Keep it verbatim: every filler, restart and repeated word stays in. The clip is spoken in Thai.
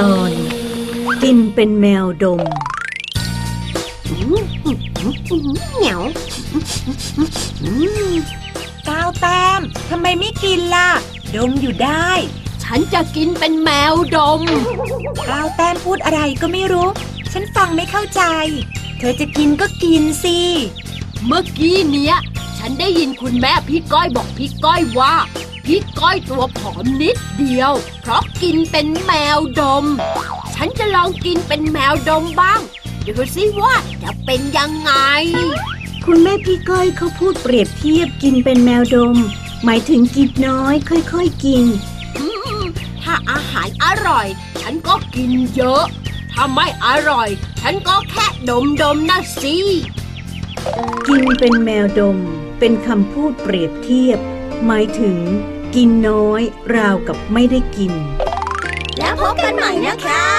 ตอนกินเป็นแมวดมเหนียวก้าวแต้มทำไมไม่กินล่ะดมอยู่ได้ฉันจะกินเป็นแมวดมก้าวแต้มพูดอะไรก็ไม่รู้ฉันฟังไม่เข้าใจเธอจะกินก็กินสิเมื่อกี้เนี้ยฉันได้ยินคุณแม่พี่ก้อยบอกพี่ก้อยว่าพี่ก้อยตัวผอมนิดเดียวเพราะกินเป็นแมวดมฉันจะลองกินเป็นแมวดมบ้างดูสิว่าจะเป็นยังไงคุณแม่พี่ก้อยเขาพูดเปรียบเทียบกินเป็นแมวดมหมายถึงกินน้อยค่อยๆกินถ้าอาหารอร่อยฉันก็กินเยอะถ้าไม่อร่อยฉันก็แค่ดมดมนะสิกินเป็นแมวดมเป็นคำพูดเปรียบเทียบหมายถึงกินน้อยราวกับไม่ได้กินแล้วพบกันใหม่นะคะ